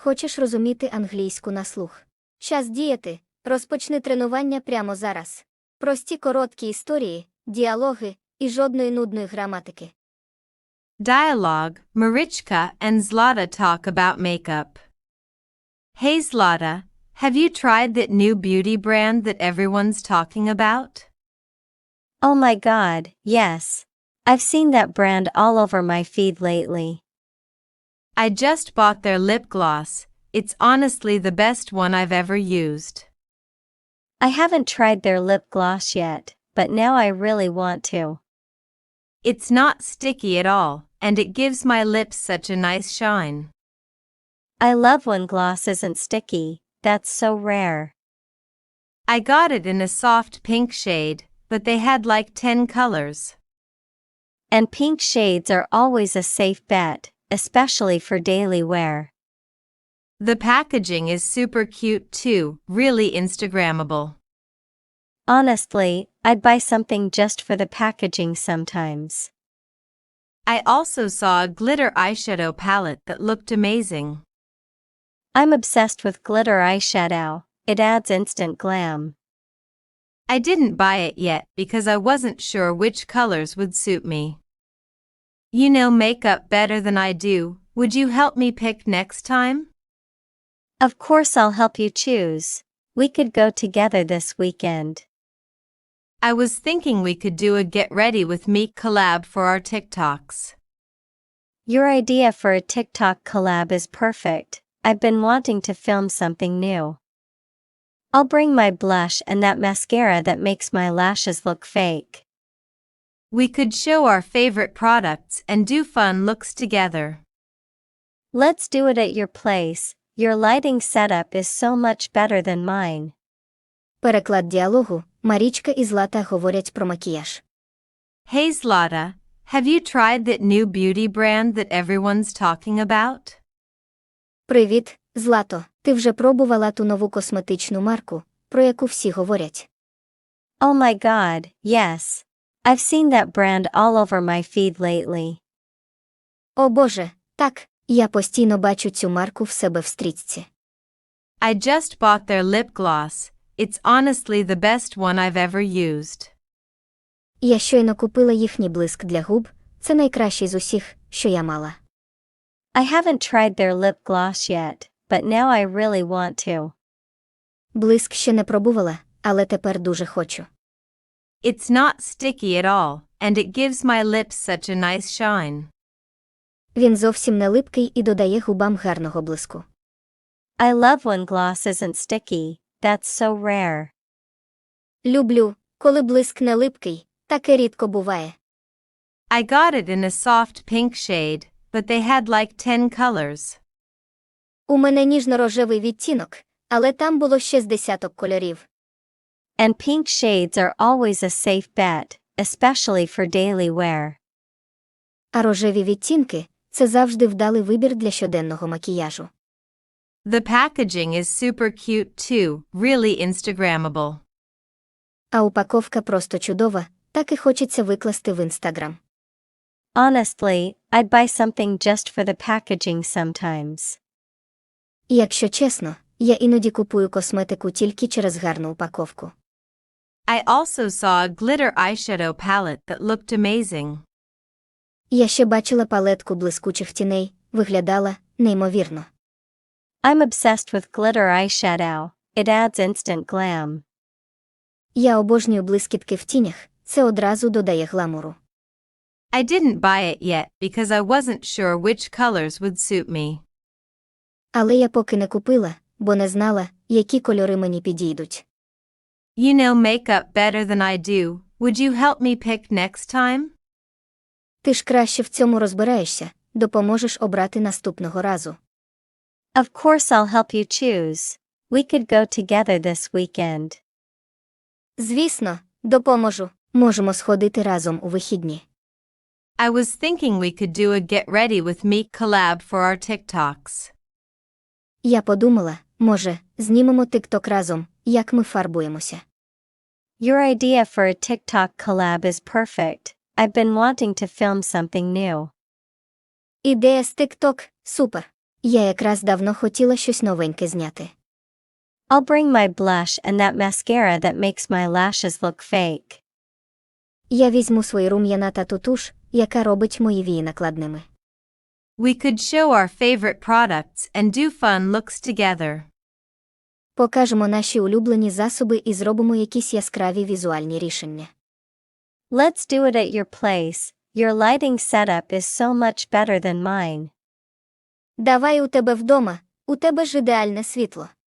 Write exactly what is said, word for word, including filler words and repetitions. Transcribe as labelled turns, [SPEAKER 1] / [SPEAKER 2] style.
[SPEAKER 1] Хочеш розуміти англійську на слух? Час діяти. Розпочни тренування прямо зараз. Прості короткі історії, діалоги і жодної нудної граматики.
[SPEAKER 2] Dialogue. Marichka and Zlata talk about makeup. Hey Zlata, have you tried that new beauty brand that everyone's talking about?
[SPEAKER 3] Oh my god, yes. I've seen that brand all over my feed lately.
[SPEAKER 2] I just bought their lip gloss. It's honestly the best one I've ever used.
[SPEAKER 3] I haven't tried their lip gloss yet, but now I really want to.
[SPEAKER 2] It's not sticky at all, and it gives my lips such a nice shine.
[SPEAKER 3] I love when gloss isn't sticky, that's so rare.
[SPEAKER 2] I got it in a soft pink shade, but they had like ten colors.
[SPEAKER 3] And pink shades are always a safe bet, especially for daily wear.
[SPEAKER 2] The packaging is super cute too, really Instagrammable.
[SPEAKER 3] Honestly, I'd buy something just for the packaging sometimes.
[SPEAKER 2] I also saw a glitter eyeshadow palette that looked amazing.
[SPEAKER 3] I'm obsessed with glitter eyeshadow, it adds instant glam.
[SPEAKER 2] I didn't buy it yet because I wasn't sure which colors would suit me. You know makeup better than I do, would you help me pick next time?
[SPEAKER 3] Of course I'll help you choose. We could go together this weekend.
[SPEAKER 2] I was thinking we could do a Get Ready With Me collab for our TikToks.
[SPEAKER 3] Your idea for a TikTok collab is perfect. I've been wanting to film something new. I'll bring my blush and that mascara that makes my lashes look fake.
[SPEAKER 2] We could show our favorite products and do fun looks together.
[SPEAKER 3] Let's do it at your place. Your lighting setup is so much better than mine.
[SPEAKER 1] Переклад діалогу. Марічка і Злата говорять про макіяж.
[SPEAKER 2] Hey Zlata, have you tried that new beauty brand that everyone's talking about?
[SPEAKER 1] Привіт, Злато. Ти вже пробувала ту нову косметичну марку, про яку всі говорять?
[SPEAKER 3] Oh my god, yes. I've seen that brand all over my feed lately.
[SPEAKER 1] О боже, так, я постійно бачу цю марку в себе в стрічці.
[SPEAKER 2] I just bought their lip gloss. It's honestly the best one I've ever used.
[SPEAKER 1] Я щойно купила їхній блиск для губ, це найкращий з усіх, що я мала.
[SPEAKER 3] I haven't tried their lip gloss yet, but now I really want to.
[SPEAKER 1] Блиск ще не пробувала, але тепер дуже хочу.
[SPEAKER 2] It's not sticky at all, and it gives my lips such a nice shine.
[SPEAKER 1] Він зовсім не липкий і додає губам гарного блиску.
[SPEAKER 3] I love when gloss isn't sticky, that's so rare.
[SPEAKER 1] Люблю, коли блиск не липкий, таке рідко буває.
[SPEAKER 2] I got it in a soft pink shade, but they had like ten colors.
[SPEAKER 1] У мене ніжно-рожевий відтінок, але там було ще з десяток кольорів.
[SPEAKER 3] And pink shades are always a safe bet, especially for daily wear.
[SPEAKER 1] А рожеві відтінки – це завжди вдалий вибір для щоденного макіяжу.
[SPEAKER 2] The packaging is super cute too, really Instagrammable.
[SPEAKER 1] А упаковка просто чудова, так і хочеться викласти в Instagram.
[SPEAKER 3] Honestly, I'd buy something just for the packaging sometimes.
[SPEAKER 1] І якщо чесно, я іноді купую косметику тільки через гарну упаковку.
[SPEAKER 2] I also saw a glitter eyeshadow palette that looked amazing.
[SPEAKER 1] Я ще бачила палетку блискучих тіней, виглядала неймовірно.
[SPEAKER 3] I'm obsessed with glitter eyeshadow, it adds instant glam.
[SPEAKER 1] Я обожнюю блискітки в тінях, це одразу додає гламуру.
[SPEAKER 2] I didn't buy it yet because I wasn't sure which colors would suit me.
[SPEAKER 1] Але я поки не купила, бо не знала, які кольори мені підійдуть.
[SPEAKER 2] You know makeup better than I do, would you help me pick next time?
[SPEAKER 1] Ти ж краще в цьому розбираєшся, допоможеш обрати наступного разу.
[SPEAKER 3] Of course I'll help you choose. We could go together this weekend.
[SPEAKER 1] Звісно, допоможу. Можемо сходити разом у вихідні.
[SPEAKER 2] I was thinking we could do a Get Ready With Me collab for our TikToks.
[SPEAKER 1] Я подумала, може, знімемо TikTok разом, як ми фарбуємося.
[SPEAKER 3] Your idea for a TikTok collab is perfect. I've been wanting to film something new.
[SPEAKER 1] Ідея з TikTok – супер. Я якраз давно хотіла щось новеньке зняти.
[SPEAKER 3] I'll bring my blush and that mascara that makes my lashes look fake.
[SPEAKER 1] Я візьму свої рум'яна та ту туш, яка робить мої вії накладними.
[SPEAKER 2] We could show our favorite products and do fun looks together.
[SPEAKER 1] Покажемо наші улюблені засоби і зробимо якісь яскраві візуальні рішення.
[SPEAKER 3] Let's do it at your place. Your lighting setup is so much better than mine.
[SPEAKER 1] Давай у тебе вдома, у тебе ж ідеальне світло.